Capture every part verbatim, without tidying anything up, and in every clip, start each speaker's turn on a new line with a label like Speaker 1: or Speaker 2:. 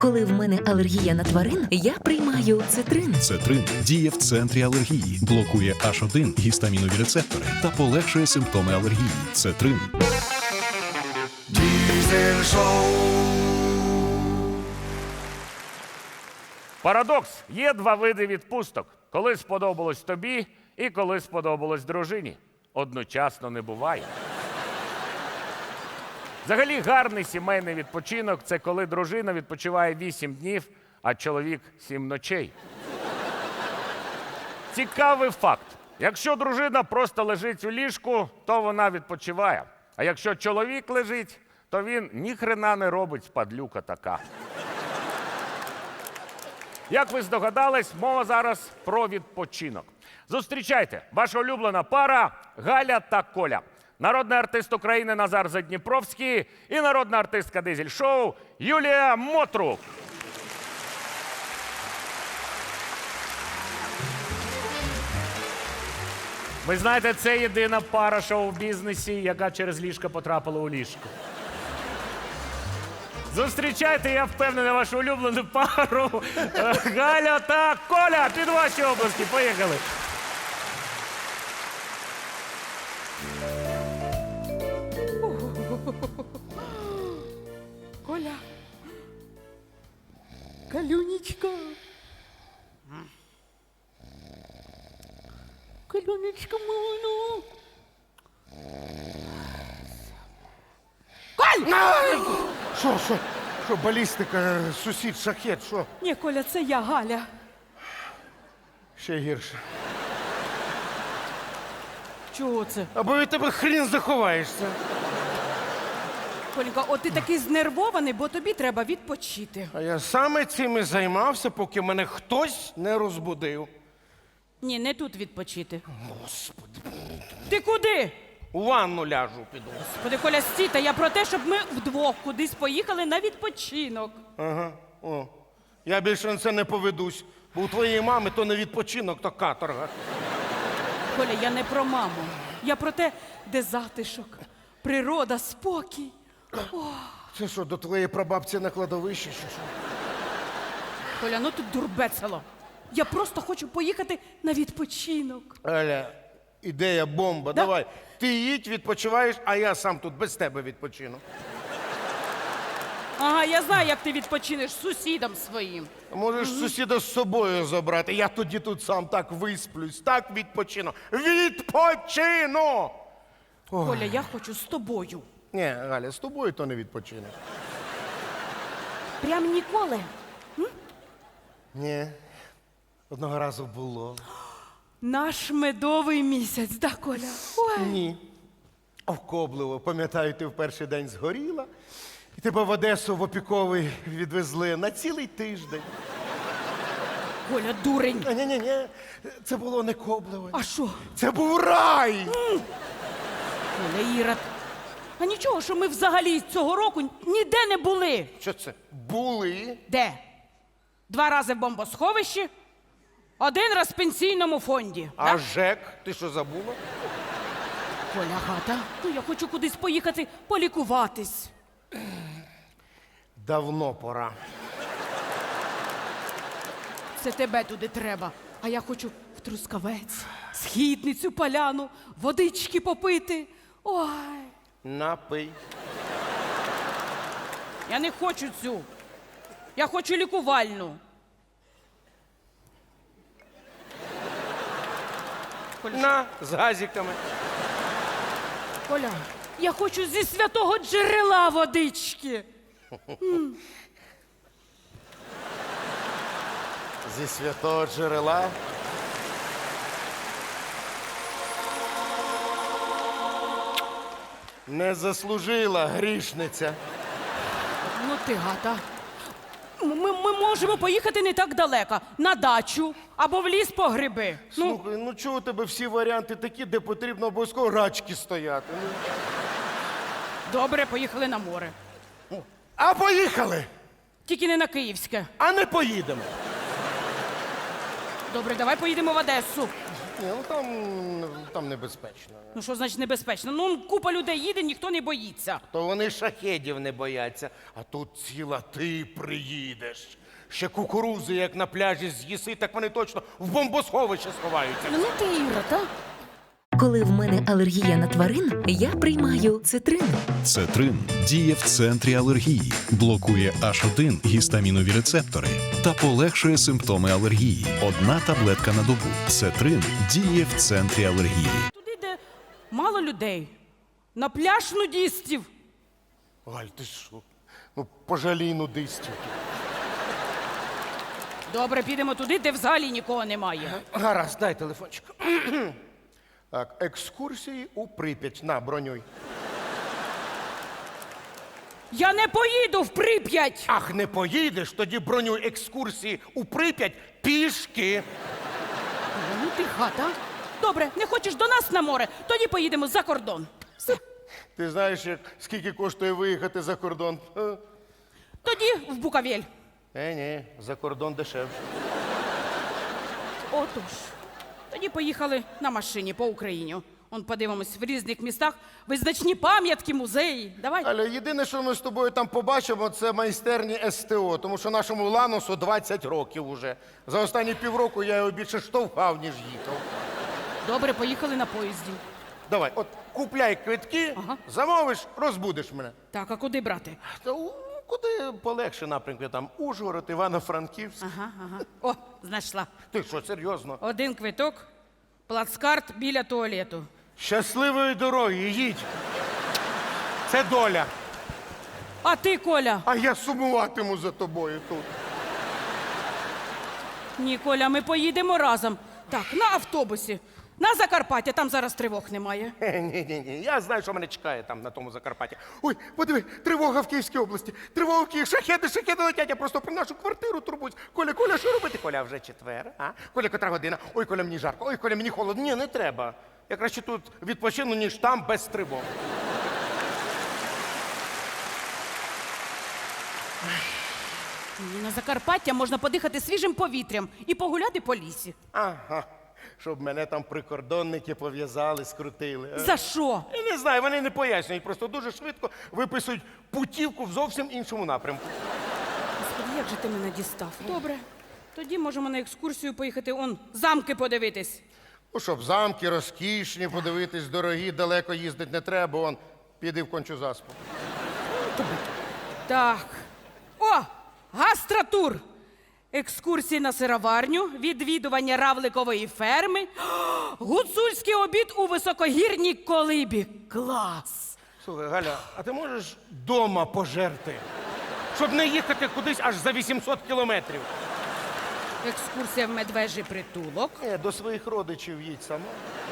Speaker 1: Коли в мене алергія на тварин, я приймаю цитрин.
Speaker 2: Цетрин діє в центрі алергії, блокує аш один гістамінові рецептори та полегшує симптоми алергії. Цетрин.
Speaker 3: Diesel Show.
Speaker 4: Парадокс. Є два види відпусток. Коли сподобалось тобі і коли сподобалось дружині. Одночасно не буває. Взагалі гарний сімейний відпочинок – це коли дружина відпочиває вісім днів, а чоловік сім ночей. Цікавий факт. Якщо дружина просто лежить у ліжку, то вона відпочиває. А якщо чоловік лежить, то він ніхрена не робить, падлюка така. Як ви здогадались, мова зараз про відпочинок. Зустрічайте, ваша улюблена пара Галя та Коля. Народний артист України Назар Задніпровський і народна артистка дизель-шоу Юлія Мотрук. Ви знаєте, це єдина пара шоу-бізнесі, яка через ліжко потрапила у ліжко. Зустрічайте, я впевнений, вашу улюблену пару Галя та Коля. Під ваші обласки. Поїхали.
Speaker 5: Коля. Калюнечка. Калюнечка моя. Коль!
Speaker 3: Що, що? Що, балістика, сусід, шахет, що?
Speaker 5: Ні, Коля, це я, Галя.
Speaker 3: Ще гірше.
Speaker 5: Чого це?
Speaker 3: Або від тебе хрін заховаєшся.
Speaker 5: Колька, от ти такий знервований, бо тобі треба відпочити.
Speaker 3: А я саме цим і займався, поки мене хтось не розбудив.
Speaker 5: Ні, не тут відпочити.
Speaker 3: Господи.
Speaker 5: Ти куди?
Speaker 3: У ванну ляжу піду.
Speaker 5: Господи, Коля, стій, та я про те, щоб ми вдвох кудись поїхали на відпочинок.
Speaker 3: Ага, о. Я більше на це не поведусь, бо у твоєї мами то не відпочинок, то каторга.
Speaker 5: Коля, я не про маму. Я про те, де затишок, природа, спокій.
Speaker 3: Це що, до твоєї прабабці на кладовищі, чи що?
Speaker 5: Коля, ну тут дурбецело. Я просто хочу поїхати на відпочинок.
Speaker 3: Аля, ідея бомба,
Speaker 5: Да?
Speaker 3: давай. Ти їдь, відпочиваєш, а я сам тут без тебе відпочину.
Speaker 5: Ага, я знаю, як ти відпочинеш з сусідом своїм.
Speaker 3: Можеш сусіда з собою забрати, я тоді тут сам так висплюсь, так відпочину. Відпочину!
Speaker 5: Коля, я хочу з тобою.
Speaker 3: Ні, Галя, з тобою то не відпочинеш.
Speaker 5: Прям ніколи.
Speaker 3: Ні, одного разу було.
Speaker 5: Наш медовий місяць, да, Коля? Ой.
Speaker 3: Ні. Овкобливо, пам'ятаю, ти в перший день згоріла, і тебе в Одесу в опіковий відвезли на цілий тиждень.
Speaker 5: Коля, дурень.
Speaker 3: Ні-ні-ні, це було не кобливо.
Speaker 5: А що?
Speaker 3: Це був рай!
Speaker 5: Коля, Ірод. А нічого, що ми взагалі цього року ніде не були.
Speaker 3: Що це? Були?
Speaker 5: Де? Два рази в бомбосховищі, один раз в пенсійному фонді.
Speaker 3: А
Speaker 5: да?
Speaker 3: ЖЕК, ти що забула?
Speaker 5: Коля, гата, ну я хочу кудись поїхати полікуватись.
Speaker 3: Давно пора.
Speaker 5: Це тебе туди треба. А я хочу в Трускавець, Східницю, Поляну, водички попити. Ой,
Speaker 3: Напий.
Speaker 5: я не хочу цю. Я хочу лікувальну. Коля,
Speaker 3: На, з газиками.
Speaker 5: Коля, я хочу зі святого джерела водички.
Speaker 3: Зі святого джерела. Не заслужила грішниця.
Speaker 5: Ну ти гата. Ми, ми можемо поїхати не так далеко. На дачу або в ліс по гриби. Ну,
Speaker 3: Слухай, ну чого у тебе всі варіанти такі, де потрібно обов'язково рачки стояти? Ну.
Speaker 5: добре, поїхали на море.
Speaker 3: А поїхали!
Speaker 5: Тільки не на Київське.
Speaker 3: А не поїдемо.
Speaker 5: Добре, давай поїдемо в Одесу.
Speaker 3: Ні, ну там, там небезпечно.
Speaker 5: Ну що значить небезпечно? Ну купа людей їде, ніхто не боїться.
Speaker 3: То вони шахедів не бояться, а тут ціла ти приїдеш. Ще кукурузи, як на пляжі з'їси, так вони точно в бомбосховище сховаються.
Speaker 5: Ну ти Іра, та?
Speaker 1: Коли в мене алергія на тварин, я приймаю цитрин.
Speaker 2: Цетрин діє в центрі алергії, блокує аш один гістамінові рецептори та полегшує симптоми алергії. Одна таблетка на добу. Цетрин діє в центрі алергії.
Speaker 5: Туди, де мало людей. На пляж нудістів.
Speaker 3: Галь, ти що? Ну, пожалій нудистів.
Speaker 5: Добре, підемо туди, де взагалі нікого немає.
Speaker 3: Гаразд, дай телефончик. Так, екскурсії у Прип'ять. На, бронюй.
Speaker 5: Я не поїду в Прип'ять!
Speaker 3: Ах, не поїдеш, тоді бронюй екскурсії у Прип'ять пішки.
Speaker 5: Ну ти хата. Добре, не хочеш до нас на море, тоді поїдемо за кордон. Все.
Speaker 3: Ти знаєш, як, скільки коштує виїхати за кордон? Е,
Speaker 5: Тоді в Букавель.
Speaker 3: Е, ні, за кордон дешевше.
Speaker 5: Отож. Тоді поїхали на машині по Україні. Он подивимось в різних містах визначні пам'ятки, музеї. Давай.
Speaker 3: Аля, єдине, що ми з тобою там побачимо, це майстерні ес те о, тому що нашому Ланосу двадцять років уже. За останні півроку я його більше штовхав, ніж їхав.
Speaker 5: Добре, поїхали на поїзді.
Speaker 3: Давай, от купляй квитки,
Speaker 5: Ага.
Speaker 3: замовиш, розбудиш мене.
Speaker 5: Так, а куди брати?
Speaker 3: Та у- куди полегше напрямки, там Ужгород, Івано-Франківськ.
Speaker 5: Ага, ага. О, знайшла.
Speaker 3: Ти що, серйозно?
Speaker 5: Один квиток, плацкарт біля туалету.
Speaker 3: Щасливої дороги, їдь. Це доля.
Speaker 5: А ти, Коля?
Speaker 3: А я сумуватиму за тобою тут.
Speaker 5: Ні, Коля, ми поїдемо разом. Так, на автобусі. На Закарпаття, там зараз тривог немає.
Speaker 3: Ні, ні, ні. Я знаю, що мене чекає там на тому Закарпатті. Ой, подиви, тривога в Київській області. Тривога в Києві, шахеди, шахеди летять. Я просто про нашу квартиру турбуюсь. Коля, Коля, що робити? Коля, вже четвер, а? Коля, котра година? Ой, Коля, мені жарко. Ой, Коля, мені холодно. Ні, не треба. Я краще тут відпочину, ніж там без тривог.
Speaker 5: Ні, на Закарпаття можна подихати свіжим повітрям і погуляти по лісі.
Speaker 3: Ага. Щоб мене там прикордонники пов'язали, скрутили. а?
Speaker 5: За що?
Speaker 3: Я не знаю, вони не пояснюють, просто дуже швидко виписують путівку в зовсім іншому напрямку.
Speaker 5: Господи, як же ти мене дістав? Добре. Тоді можемо на екскурсію поїхати он замки подивитись.
Speaker 3: Ну, щоб замки розкішні, подивитись, дорогі, далеко їздити не треба, он піди в кончу заспу.
Speaker 5: Так. О! Гастротур! Екскурсії на сироварню, відвідування равликової ферми, гуцульський обід у високогірній колибі. Клас!
Speaker 3: Слухай, Галя, а ти можеш дома пожерти? Щоб не їхати кудись аж за вісімсот кілометрів.
Speaker 5: Екскурсія в медвежий притулок,
Speaker 3: Ні, до своїх родичів їдь сама.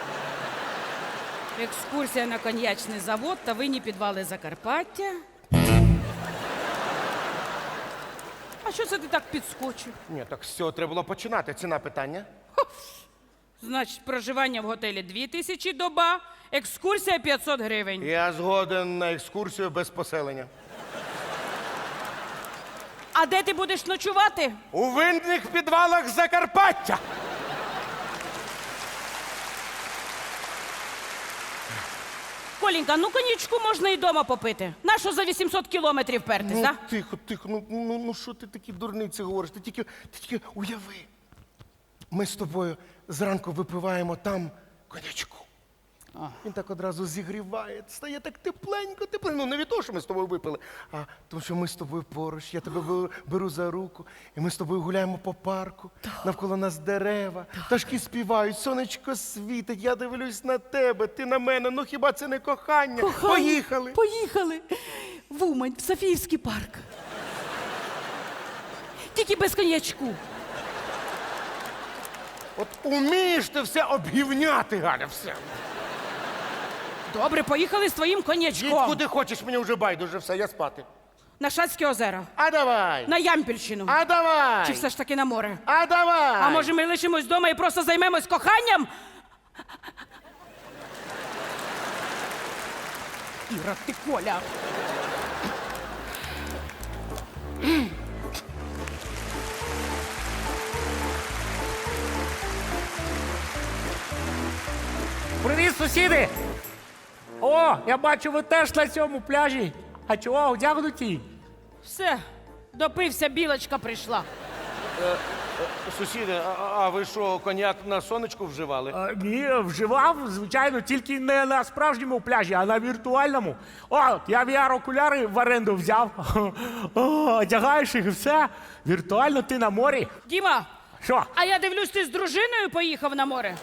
Speaker 5: екскурсія на коньячний завод та винні підвали Закарпаття. А що це ти так підскочив?
Speaker 3: Ні, так з цього треба було починати. Ціна питання.
Speaker 5: Значить, проживання в готелі дві тисячі доба, екскурсія п'ятсот гривень.
Speaker 3: Я згоден на екскурсію без поселення.
Speaker 5: А де ти будеш ночувати?
Speaker 3: У винних підвалах Закарпаття!
Speaker 5: Колінька, ну коньячку можна і дома попити. Нащо за вісімсот кілометрів пертись,
Speaker 3: Ну,
Speaker 5: да?
Speaker 3: тихо, тихо, ну, ну, ну що ти такі дурниці говориш? Ти тільки, ти тільки уяви. Ми з тобою зранку випиваємо там конячку. Він так одразу зігріває, стає так тепленько, тепленько. Ну, не від того, що ми з тобою випили, а тому, що ми з тобою поруч, я тебе беру, беру за руку, і ми з тобою гуляємо по парку, навколо нас дерева, пташки співають, сонечко світить, я дивлюсь на тебе, ти на мене, ну хіба це не кохання? Поїхали!
Speaker 5: Поїхали. В Умань, в Софіївський парк. Тільки без коньячку.
Speaker 3: От умієш ти все обгівняти, Галя, все.
Speaker 5: Добре, поїхали з твоїм
Speaker 3: Їдь
Speaker 5: коньячком.
Speaker 3: куди хочеш, мені вже байдуже, все, я спати.
Speaker 5: На Шацьке озеро,
Speaker 3: А давай!
Speaker 5: на Ямпільщину.
Speaker 3: А давай!
Speaker 5: Чи все ж таки на море?
Speaker 3: А давай!
Speaker 5: А може ми лишимось вдома і просто займемось коханням? Іра, ти Коля.
Speaker 6: Сусіди! О, я бачу, ви теж на цьому пляжі. А чого одягнуті?
Speaker 5: Все, допився, білочка прийшла.
Speaker 3: Сусіди, а, а ви що, коньяк на сонечку вживали?
Speaker 6: А, ні, вживав, звичайно, тільки не на справжньому пляжі, а на віртуальному. О, я ві ар-окуляри в оренду взяв. О, одягаєш їх і все. Віртуально ти на морі.
Speaker 5: Діма,
Speaker 6: Що?
Speaker 5: а я дивлюсь, ти з дружиною поїхав на море.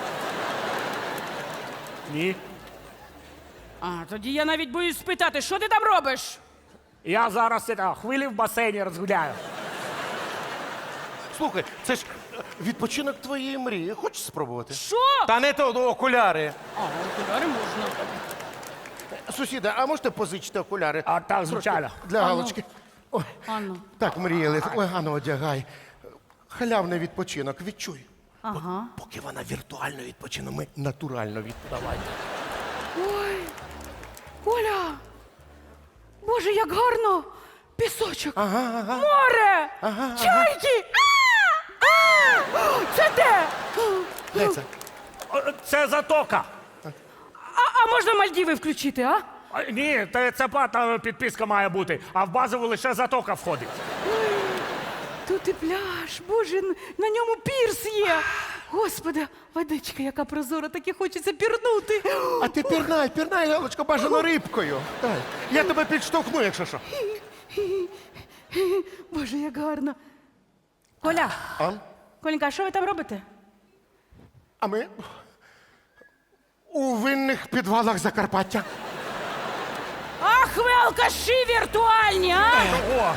Speaker 6: Ні.
Speaker 5: А, тоді я навіть боюсь спитати, що ти там робиш?
Speaker 6: Я зараз це, хвилі в басейні розгуляю.
Speaker 3: Слухай, це ж е, відпочинок твоєї мрії. Хочеш спробувати?
Speaker 5: Що?
Speaker 3: Та не то, ну, окуляри.
Speaker 5: А, окуляри можна.
Speaker 3: Сусіда, а можете позичити окуляри?
Speaker 6: А так, звичайно.
Speaker 3: Для галочки. Ой,
Speaker 5: Анну.
Speaker 3: так мріяли. Ой, Ганно, одягай. Халявний відпочинок, відчуй.
Speaker 5: Ага.
Speaker 3: Поки вона віртуально відпочине, ми натурально відпочиваємо.
Speaker 5: Ой, Оля! Боже, як гарно! Пісочок!
Speaker 3: Ага, ага.
Speaker 5: Море!
Speaker 3: Ага,
Speaker 5: Чайки! А! А! Це де?
Speaker 3: Де це?
Speaker 6: О, Це затока.
Speaker 5: А, а можна Мальдіви включити, а?
Speaker 6: А, ні, це, це платна підписка має бути, а в базову лише затока входить.
Speaker 5: Тут і пляж, боже, н- на ньому пірс є. Господи, водичка, яка прозора, так і хочеться пірнути.
Speaker 3: А ти пірнай, пірнай, Галочка, бажано рибкою. Дай. Я тебе підштовхну, якщо що.
Speaker 5: Боже, як гарно. Коля,
Speaker 3: А?
Speaker 5: Коленька, а що ви там робите?
Speaker 3: А ми у винних підвалах Закарпаття.
Speaker 5: Ах, ви алкаші віртуальні, а?
Speaker 6: О,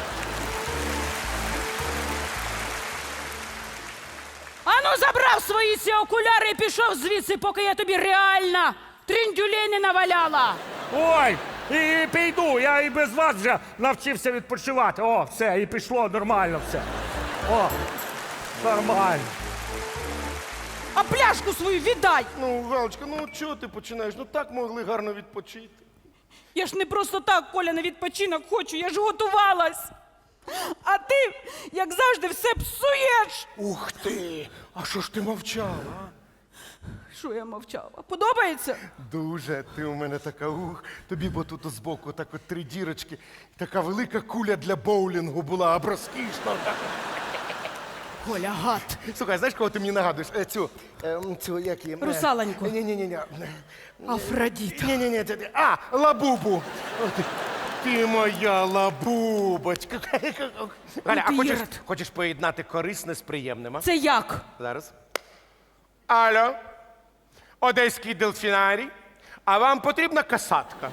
Speaker 5: Ану, забрав свої ці окуляри і пішов звідси, поки я тобі реально тріндюлей не наваляла.
Speaker 6: ой, і піду, я і без вас вже навчився відпочивати. О, все, і пішло нормально все. О, нормально.
Speaker 5: А пляшку свою віддай.
Speaker 3: Ну, Галочка, ну чого ти починаєш? Ну так могли гарно відпочити.
Speaker 5: Я ж не просто так, Коля, на відпочинок хочу, я ж готувалась. А ти, як завжди, все псуєш.
Speaker 3: Ух ти! А що ж ти мовчала?
Speaker 5: Що я мовчала? Подобається?
Speaker 3: Дуже ти у мене така ух. Тобі бо тут збоку так от три дірочки. Така велика куля для боулінгу була, або розкішна.
Speaker 5: Коля, гад.
Speaker 3: Слухай, знаєш, кого ти мені нагадуєш? Е, Цю, ем, цю, як її?
Speaker 5: Русалоньку.
Speaker 3: Ні-ні-ні.
Speaker 5: Афродіта.
Speaker 3: Ні-ні-ні, це ти. А, лабубу. О, ти, ти моя лабубочка. Галя, а
Speaker 5: ти
Speaker 3: хочеш,
Speaker 5: ірод.
Speaker 3: хочеш поєднати корисне з приємним, а?
Speaker 5: Це як?
Speaker 3: Зараз. Алло, Одеський дельфінарій. А вам потрібна касатка?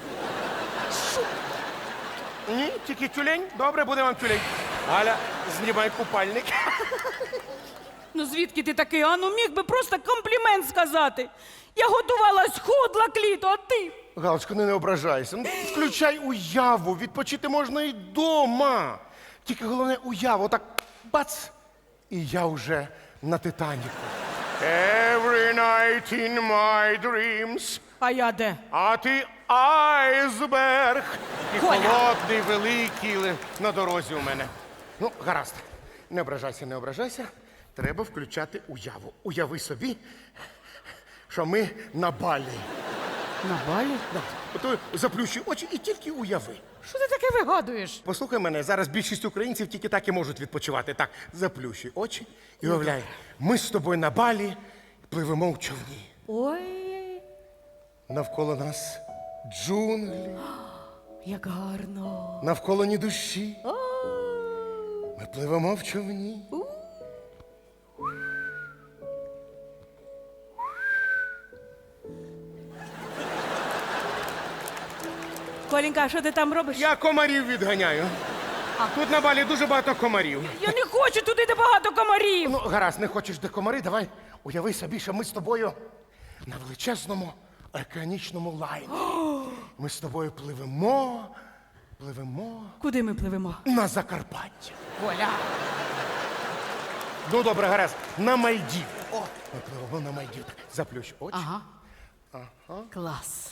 Speaker 3: Ні, тільки тюлень? Добре, буде вам тюлень. Галя, знімай купальник.
Speaker 5: Ну звідки ти такий? А ну міг би просто комплімент сказати. Я готувалась, худла кліто, а ти?
Speaker 3: Галочка, не, не ображайся. Ну, включай уяву, відпочити можна і дома. Тільки головне уяву, отак бац, і я вже на Титаніку. Every night in my dreams.
Speaker 5: А я де?
Speaker 3: А ти айсберг. І
Speaker 5: Коля.
Speaker 3: холодний, великий ли- на дорозі у мене. Ну, гаразд. Не ображайся, не ображайся. Треба включати уяву. Уяви собі, що ми на балі.
Speaker 5: На балі?
Speaker 3: Да. Ото заплющуй очі і тільки уяви.
Speaker 5: Що ти таке вигадуєш?
Speaker 3: Послухай мене, зараз більшість українців тільки так і можуть відпочивати. Так, заплющуй очі і уявляй, ми з тобою на балі пливемо в човні.
Speaker 5: Ой,
Speaker 3: Навколо нас джунглі,
Speaker 5: як гарно.
Speaker 3: навколо ні душі. Ми пливемо в човні.
Speaker 5: Коленька, а що ти там робиш?
Speaker 3: Я комарів відганяю. Тут на балі дуже багато комарів.
Speaker 5: Я не хочу туди, де багато комарів.
Speaker 3: Ну, гаразд, не хочеш де комари, давай уяви собі, що ми з тобою на величезному океанічному лайні. Ми з тобою пливемо, пливемо
Speaker 5: Куди ми пливемо?
Speaker 3: на Закарпаття.
Speaker 5: Коля.
Speaker 3: Ну, добре, гаразд, на Мальдів. О, ми пливемо на Мальдів. Заплющ очі.
Speaker 5: Ага. Клас.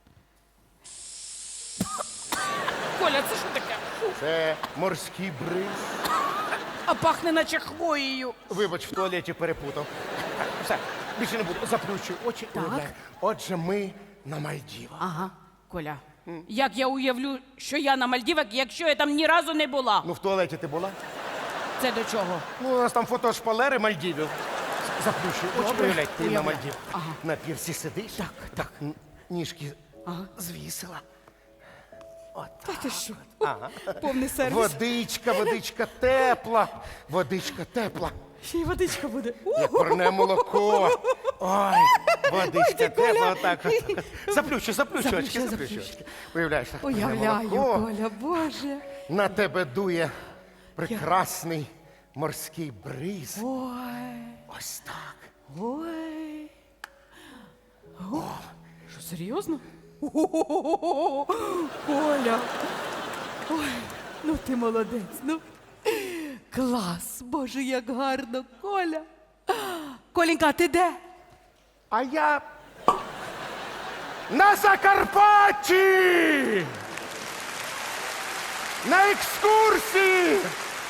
Speaker 5: Коля, це що таке?
Speaker 3: Це морський бриз.
Speaker 5: А пахне наче хвоєю.
Speaker 3: Вибач, в туалеті перепутав. Все, більше не буду. Заплющую очі.
Speaker 5: Так.
Speaker 3: Уявляю. Отже, ми на Мальдівах.
Speaker 5: Ага, Коля. Як я уявлю, що я на Мальдівах, якщо я там ні разу не була?
Speaker 3: Ну, в туалеті ти була?
Speaker 5: Це до чого?
Speaker 3: Ну, у нас там фото шпалери Мальдівів. Заплющую очі.
Speaker 5: Добре.
Speaker 3: Уявляй, ти на
Speaker 5: Уявляю.
Speaker 3: Мальдівах.
Speaker 5: Ага.
Speaker 3: На пірсі сидиш.
Speaker 5: Так,
Speaker 3: Так, н- ніжки звісила.
Speaker 5: Та ти що? Повний сервіс.
Speaker 3: Водичка, водичка тепла. Водичка тепла.
Speaker 5: Ще й водичка буде.
Speaker 3: Як парне молоко. Ой, водичка тепла, отак. от. Заплющу, заплющу очки,
Speaker 5: Заплющу,
Speaker 3: заплющу
Speaker 5: заплющу.
Speaker 3: очки. Уявляєш, так, парне
Speaker 5: Уявляю,
Speaker 3: молоко.
Speaker 5: Коля, Боже.
Speaker 3: На тебе дує прекрасний морський бриз.
Speaker 5: Ой,
Speaker 3: Ось так.
Speaker 5: ой. О, що, серйозно? О, Коля. Ой, ну ти молодець, ну. Клас, Боже, як гарно, Коля. Коленька, ти де?
Speaker 3: А я на Закарпатті! На екскурсії!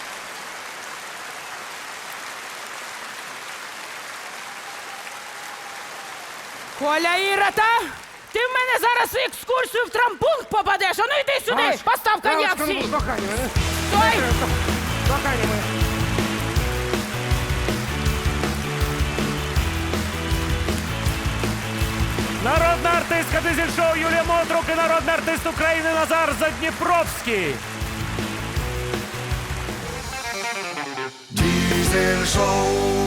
Speaker 5: Коля Ірота, ти в мене зараз в екскурсію в трампункт попадеш. А ну йди сюди,
Speaker 3: Аж,
Speaker 5: постав коньяк
Speaker 3: Галочка, ну,
Speaker 5: всі.
Speaker 3: кохання, е?
Speaker 5: Стой!
Speaker 3: Кохання моє.
Speaker 4: Народна артистка дизель-шоу Юлія Мотрук і народний артист України Назар Задніпровський.
Speaker 7: Diesel Show.